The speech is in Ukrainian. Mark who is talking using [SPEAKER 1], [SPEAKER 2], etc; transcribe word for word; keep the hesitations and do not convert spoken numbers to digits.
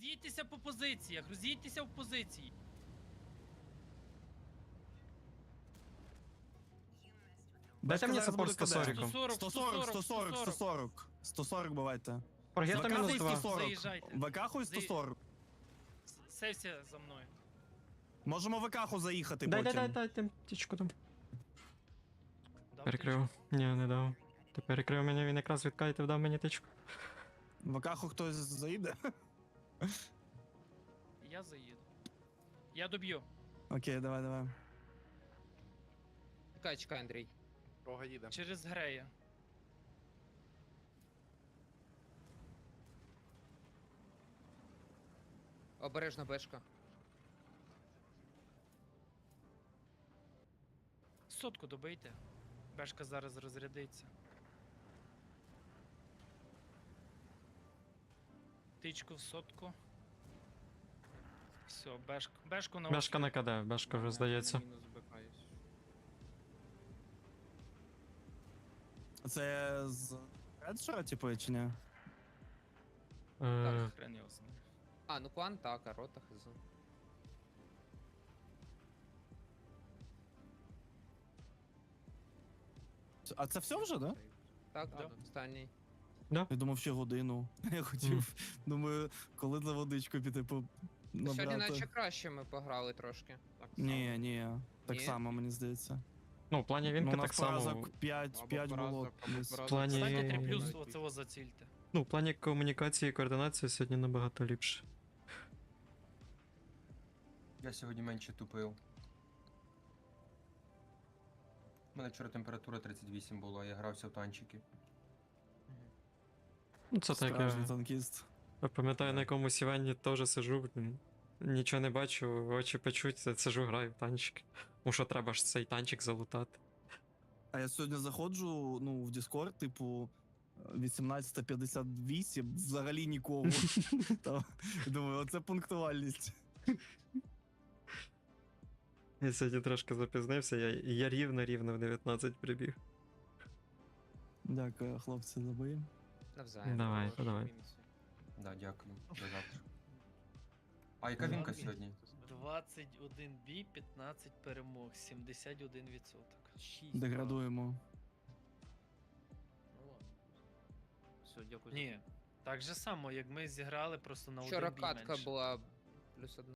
[SPEAKER 1] Роз'їдьтеся по позиціях, роз'їдьтеся в позиції.
[SPEAKER 2] Дайте мені
[SPEAKER 3] зараз
[SPEAKER 2] саппорт
[SPEAKER 3] буде
[SPEAKER 2] сто
[SPEAKER 3] КД.
[SPEAKER 2] сорок.
[SPEAKER 3] сто сорок, сто сорок, сто сорок. сто сорок бувайте.
[SPEAKER 2] Прогета
[SPEAKER 3] ВК
[SPEAKER 2] мінус
[SPEAKER 3] хуй
[SPEAKER 2] два.
[SPEAKER 3] сто сорок.
[SPEAKER 1] Заїжджайте.
[SPEAKER 3] ВК хуй сто сорок.
[SPEAKER 1] Сейвся за мною.
[SPEAKER 3] Можемо ВК ху заїхати
[SPEAKER 2] Дай, дай,
[SPEAKER 3] потім.
[SPEAKER 2] дай, дай, дай, тічку там.
[SPEAKER 1] Дав
[SPEAKER 2] Перекрив. Ні, не дав. Ти перекрив мене, він якраз відкайте вдав мені тичку.
[SPEAKER 3] ВК ху хтось заїде?
[SPEAKER 1] тичку. Я заїду. Я доб'ю.
[SPEAKER 3] Окей, давай, давай.
[SPEAKER 4] Чекай, чекай, Андрій.
[SPEAKER 5] Рога їде.
[SPEAKER 1] Через Грея.
[SPEAKER 4] Обережно бешка.
[SPEAKER 1] Сотку добийте. Бешка зараз розрядиться. Тичку в сотку. Все, бешку. Бешку на
[SPEAKER 2] Бешка на КД, бешка вже здається.
[SPEAKER 4] Мінус бекаюсь.
[SPEAKER 3] Це з Редшора, типу, чи ні?
[SPEAKER 2] Е,
[SPEAKER 1] Так, хрен його знає.
[SPEAKER 4] А, ну клан так, а рота хз.
[SPEAKER 3] А це все вже, да?
[SPEAKER 4] Так,
[SPEAKER 1] Да.
[SPEAKER 4] останній.
[SPEAKER 3] Я думав, ще годину. Я хотів, думаю, коли за водичку піти по
[SPEAKER 4] Сьогодні наче
[SPEAKER 3] набрати.
[SPEAKER 4] краще ми пограли трошки. Так
[SPEAKER 3] Ні, ні, так
[SPEAKER 4] Ні?
[SPEAKER 3] само, мені здається.
[SPEAKER 2] Ну, в плані
[SPEAKER 3] Ну,
[SPEAKER 2] вінки
[SPEAKER 3] у нас
[SPEAKER 2] так само.
[SPEAKER 3] поразок п'ять, п'ять було. десь.
[SPEAKER 2] В плані,
[SPEAKER 1] Станьте три плюс оцього зацільте.
[SPEAKER 2] ну, в плані комунікації і координації сьогодні набагато ліпше.
[SPEAKER 6] Я сьогодні менше тупив. У мене вчора температура тридцять вісім була, я грався в танчики.
[SPEAKER 2] Ну, це так,
[SPEAKER 3] Справжній
[SPEAKER 2] я,
[SPEAKER 3] танкіст.
[SPEAKER 2] я пам'ятаю, на якомусь івенті теж сижу, блін, нічого не бачу, очі печуть, я сижу, граю в танчики. Тому що треба ж цей танчик залутати.
[SPEAKER 3] А я сьогодні заходжу, ну, в Discord, типу, вісімнадцята п'ятдесят вісім, взагалі нікого. Та, думаю, оце пунктуальність.
[SPEAKER 2] Я сьогодні трошки запізнився, я, я рівно-рівно в дев'ятнадцять прибіг.
[SPEAKER 3] Дякую, хлопці, за бої.
[SPEAKER 4] Навзаєм.
[SPEAKER 2] Давай,
[SPEAKER 4] Хороші
[SPEAKER 2] давай.
[SPEAKER 4] мінуси.
[SPEAKER 6] Да, дякую. До завтра. А яка вінка сьогодні?
[SPEAKER 1] двадцять один бій, п'ятнадцять перемог, сімдесят один відсоток.
[SPEAKER 3] Деградуємо.
[SPEAKER 5] Все, дякую.
[SPEAKER 1] Ні, так же само, як ми зіграли просто на
[SPEAKER 4] Вчора
[SPEAKER 1] один бій
[SPEAKER 4] катка
[SPEAKER 1] менше.
[SPEAKER 4] була плюс одна.